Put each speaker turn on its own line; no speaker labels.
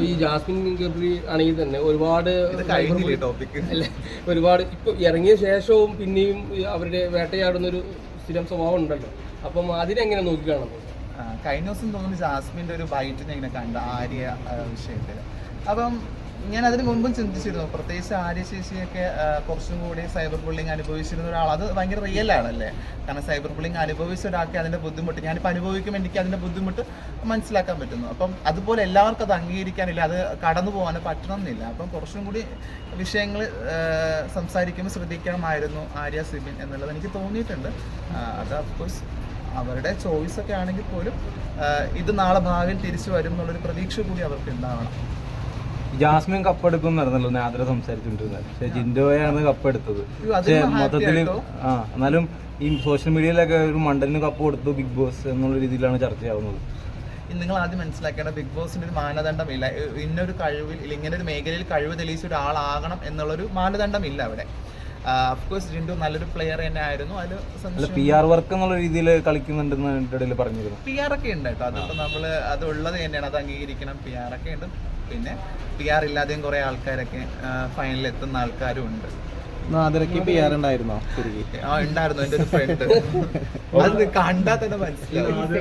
ഈ ജാസ്മിൻ ഗബ്രി ആണെങ്കിൽ തന്നെ ഒരുപാട് അല്ലെ, ഒരുപാട് ഇപ്പൊ ഇറങ്ങിയ ശേഷവും പിന്നെയും അവരുടെ വേട്ടയാടുന്നൊരു സ്ഥിരം സ്വഭാവം ഉണ്ടല്ലോ. അപ്പം അതിനെങ്ങനെ നോക്കിക്കാണുന്നത്?
കഴിഞ്ഞ ദിവസം തോന്നുന്നു ജാസ്മിൻ്റെ ഒരു ബൈറ്റ് ഞാൻ ഇങ്ങനെ കണ്ട ആര്യ വിഷയത്തിൽ. അപ്പം ഞാൻ അതിന് മുമ്പും ചിന്തിച്ചിരുന്നു, പ്രത്യേകിച്ച് ആര്യ ചേച്ചിയൊക്കെ കുറച്ചും കൂടി സൈബർ ബുള്ളിങ് അനുഭവിച്ചിരുന്ന ഒരാൾ. അത് ഭയങ്കര റിയൽ ആണല്ലേ, കാരണം സൈബർ ബുള്ളിങ് അനുഭവിച്ച ഒരാൾക്ക് അതിൻ്റെ ബുദ്ധിമുട്ട്, ഞാനിപ്പോൾ അനുഭവിക്കുമ്പോൾ എനിക്ക് അതിൻ്റെ ബുദ്ധിമുട്ട് മനസ്സിലാക്കാൻ പറ്റുന്നു. അപ്പം അതുപോലെ എല്ലാവർക്കും അത് അംഗീകരിക്കാനില്ല, അത് കടന്നു പോകാൻ പറ്റണമെന്നില്ല. അപ്പം കുറച്ചും കൂടി വിഷയങ്ങൾ സംസാരിക്കുമ്പോൾ ശ്രദ്ധിക്കണമായിരുന്നു ആര്യ സിബിൻ എന്നുള്ളത് എനിക്ക് തോന്നിയിട്ടുണ്ട്. അത് അഫ്കോഴ്സ് അവരുടെ ചോയ്സ് ഒക്കെ ആണെങ്കിൽ പോലും ഇത് നാളെ ഭാവിയിൽ തിരിച്ചു വരും എന്നുള്ളൊരു പ്രതീക്ഷ കൂടി അവർക്ക് ഉണ്ടാവണം.
ജാസ്മിൻ കപ്പെടുക്കും എന്നായിരുന്നല്ലോ നാദ്ര സംസാരിച്ചുകൊണ്ടിരുന്നത്. പക്ഷെ ജിൻഡോയാണ് കപ്പെടുത്തത്. പക്ഷെ മൊത്തത്തില് എന്നാലും ഈ സോഷ്യൽ മീഡിയയിലൊക്കെ ഒരു മണ്ടലിന് കപ്പ് കൊടുത്തു ബിഗ് ബോസ് എന്നുള്ള രീതിയിലാണ് ചർച്ചയാവുന്നത്.
നിങ്ങൾ ആദ്യം മനസ്സിലാക്കേണ്ട, ബിഗ് ബോസിന്റെ ഒരു മാനദണ്ഡമില്ല. ഇന്നൊരു കഴിവിൽ ഇങ്ങനെ ഒരു മേഖലയിൽ കഴിവ് തെളിയിച്ച ഒരാളാകണം എന്നുള്ളൊരു മാനദണ്ഡമില്ല അവിടെ. അഫ്കോഴ്സ് ജിൻഡു നല്ലൊരു പ്ലെയർ തന്നെ ആയിരുന്നു. അതിൽ
PR വർക്ക് എന്നുള്ള രീതിയിൽ കളിക്കുന്നുണ്ടെന്ന് ഇടയിൽ പറഞ്ഞിരുന്നു.
PR ഒക്കെ ഉണ്ട് കേട്ടോ, അതിപ്പോൾ നമ്മൾ അത് ഉള്ളത് തന്നെയാണ്, അത് അംഗീകരിക്കണം. PR ഒക്കെ ഉണ്ട്. പിന്നെ PR ഇല്ലാതെയും കുറെ ആൾക്കാരൊക്കെ ഫൈനലിൽ എത്തുന്ന ആൾക്കാരും ഉണ്ട്.
PR ഉണ്ടായിരുന്നോ?
ഉണ്ടായിരുന്നു, എൻ്റെ ഒരു ഫ്രണ്ട്. അത് കണ്ടാൽ തന്നെ മനസ്സിലാവും.